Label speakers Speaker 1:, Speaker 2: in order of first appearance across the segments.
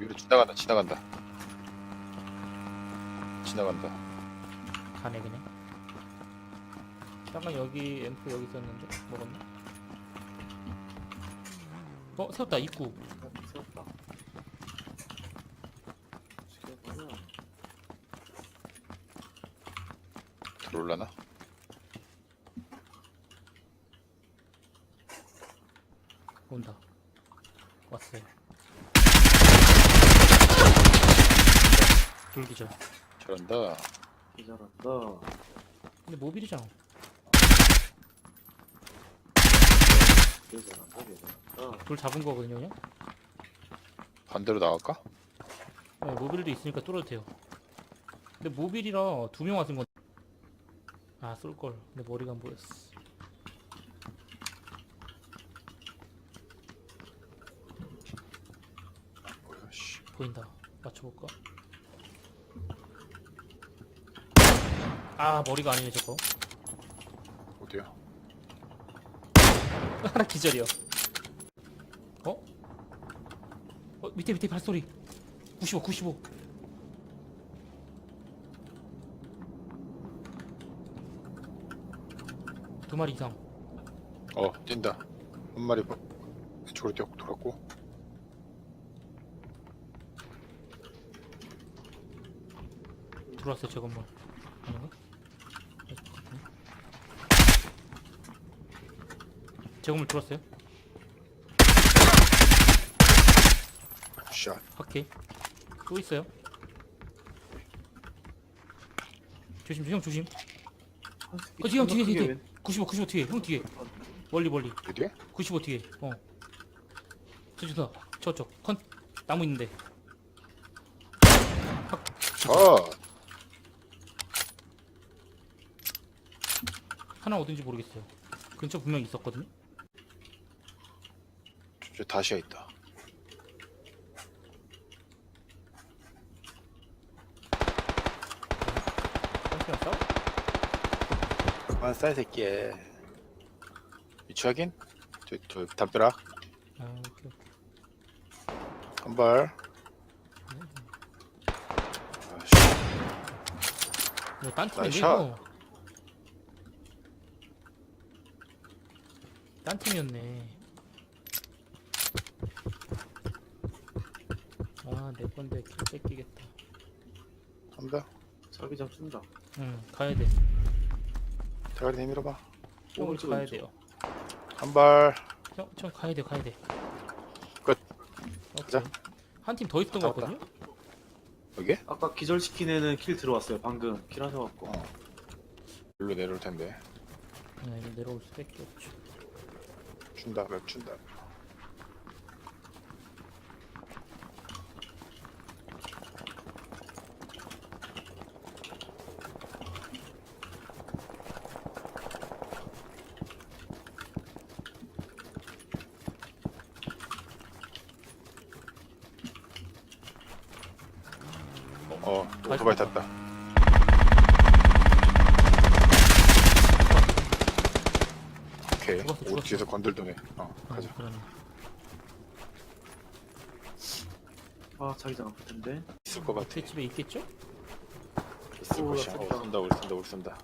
Speaker 1: 위로 지나간다. 지나간다.
Speaker 2: 가네 그냥. 잠깐 여기 앰프 여기 있었는데 먹었나? 세웠다 입구.
Speaker 3: 세웠다. 죽여버려.
Speaker 1: 들어올라나?
Speaker 2: 온다. 왔어요. 돌기절.
Speaker 1: 저런다.
Speaker 3: 기절한다.
Speaker 2: 근데 모빌이잖아.
Speaker 3: 기절한다.
Speaker 2: 돌 잡은 거거든요 그냥.
Speaker 1: 반대로 나갈까?
Speaker 2: 네, 모빌도 있으니까 뚫어도 돼요. 근데 모빌이라 2명 왔은 건. 아 쏠걸. 근데 머리가 안 보였어.
Speaker 1: 뭐야, 씨.
Speaker 2: 보인다. 맞춰볼까? 아 머리가 아니네 저거.
Speaker 1: 어디야?
Speaker 2: 하나 기절이요. 밑에 발소리. 95. 두 마리 이상.
Speaker 1: 뛴다. 한 마리 왼쪽으로 뛰어 돌았고.
Speaker 2: 들어왔어요 제 건물. 아닌가? 제 건물 들어왔어요?
Speaker 1: 샷.
Speaker 2: 확해. 또 있어요? 조심 형 조심. 뒤에 형 뒤에 95 뒤에 형 뒤에. 멀리
Speaker 1: 어디야?
Speaker 2: 95 뒤에. 저쪽다 저쪽 컨 나무 있는데.
Speaker 1: 샷.
Speaker 2: 하나 어딘지 모르겠어요. 근처 분명히 있었거든요.
Speaker 1: 저 다시야 있다.
Speaker 2: 한시간 싸워?
Speaker 1: 그만 싸이 새끼. 위치 확인? 저 담벼락
Speaker 2: 아 오케이.
Speaker 1: 한 발.
Speaker 2: 이거 딴 팀인데
Speaker 1: 나이스
Speaker 2: 이거. 딴 팀이었네. 내 건데 킬 뺏기겠다.
Speaker 1: 한다.
Speaker 3: 자기장 쏜다.
Speaker 2: 응 가야 돼.
Speaker 1: 대가리 내밀어봐.
Speaker 2: 형을
Speaker 3: 오른쪽,
Speaker 2: 가야
Speaker 3: 왼쪽.
Speaker 2: 돼요.
Speaker 1: 한 발.
Speaker 2: 형 가야 돼.
Speaker 1: 끝.
Speaker 2: 오케이.
Speaker 1: 가자.
Speaker 2: 한 팀 더 있었던 거
Speaker 1: 갔다
Speaker 2: 같거든요?
Speaker 1: 여기?
Speaker 3: 아까 기절시킨 애는 킬 들어왔어요. 방금 킬 하셔갖고.
Speaker 1: 여기로 내려올 텐데.
Speaker 2: 네, 이제 내려올 수밖에 없죠.
Speaker 1: 준다. 맵 준다. 오토바이 탔다. 오케이.
Speaker 2: 죽었어.
Speaker 1: 뒤에서 건들더네. 가자.
Speaker 2: 그러네.
Speaker 3: 아 자기장 아플 텐데.
Speaker 1: 있을 것 같아.
Speaker 2: 제 집에 있겠죠?
Speaker 1: 있을 것이야.
Speaker 3: 쏜다.
Speaker 1: 쏜다. 우리 쏜다.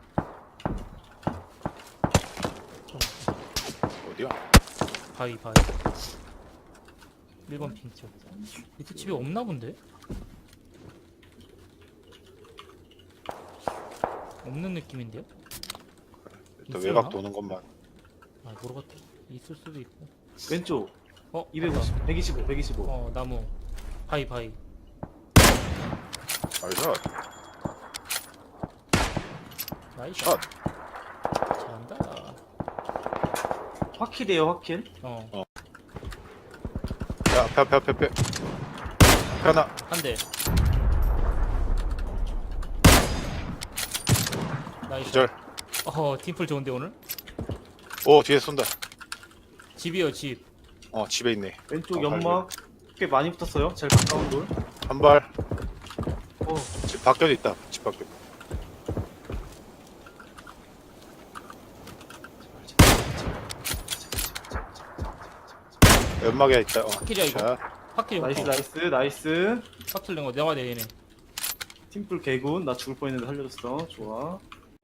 Speaker 1: 어디야?
Speaker 2: 바위 1번 핑 쪽. 밑에 집에 없나 본데? 없는 느낌인데요?
Speaker 1: 일단
Speaker 2: 있어요?
Speaker 1: 외곽 도는 것만.
Speaker 2: 모르겠다. 있을 수도 있고.
Speaker 3: 왼쪽.
Speaker 2: 250.
Speaker 3: 125.
Speaker 2: 나무. 바위.
Speaker 1: 나이스.
Speaker 2: 나이스.
Speaker 1: 샷.
Speaker 2: 잘한다.
Speaker 3: 화킬이에요 화킬.
Speaker 1: 야, 앞에. 하나.
Speaker 2: 한 대. 나이스.
Speaker 1: 기절.
Speaker 2: 팀플 좋은데 오늘?
Speaker 1: 뒤에 쏜다.
Speaker 2: 집이요 집.
Speaker 1: 집에 있네.
Speaker 3: 왼쪽
Speaker 1: 어,
Speaker 3: 연막 꽤 많이 붙었어요. 제일 가까운 돌.
Speaker 1: 한 발.
Speaker 3: 어
Speaker 1: 집 밖에도 있다. 집 밖에. 연막에 있다.
Speaker 2: 길이야, 이거?
Speaker 1: 자,
Speaker 2: 확킬
Speaker 3: 나이스
Speaker 2: 확킬.
Speaker 3: 나이스 나이스.
Speaker 2: 확킬 낸거 내가 내 얘네.
Speaker 3: 팀플 개군. 나 죽을 뻔했는데 살려줬어. 좋아.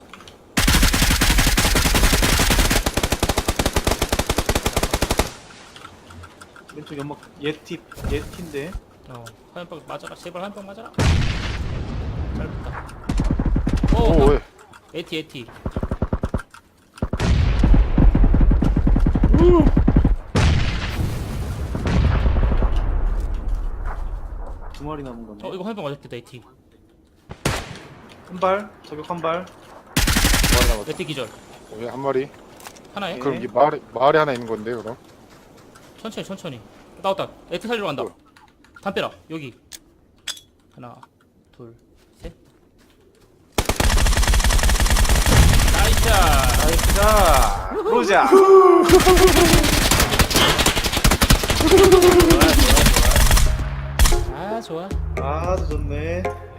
Speaker 3: 왼쪽 연막 예티인데.
Speaker 2: 화염병 맞아라. 제발 화염병 맞아라. 잘 붙다.
Speaker 1: 오, 왜?
Speaker 2: 에티.
Speaker 3: 두 마리 남은 거네.
Speaker 2: 이거 화염병 맞았겠다 에티.
Speaker 3: 한 발. 저격 한 발.
Speaker 1: 마리 남았다.
Speaker 2: 에티 기절.
Speaker 1: 여기 한 마리.
Speaker 2: 하나에?
Speaker 3: 네.
Speaker 1: 그럼 이 마을에 하나 있는 건데, 그럼?
Speaker 2: 천천히. 나왔다. 에티 살리러 간다.
Speaker 1: 뭐야?
Speaker 2: 담벼락 여기. 하나, 둘, 셋. 나이스.
Speaker 3: 나이스다. 보자.
Speaker 2: 좋아.
Speaker 3: 아주 좋네.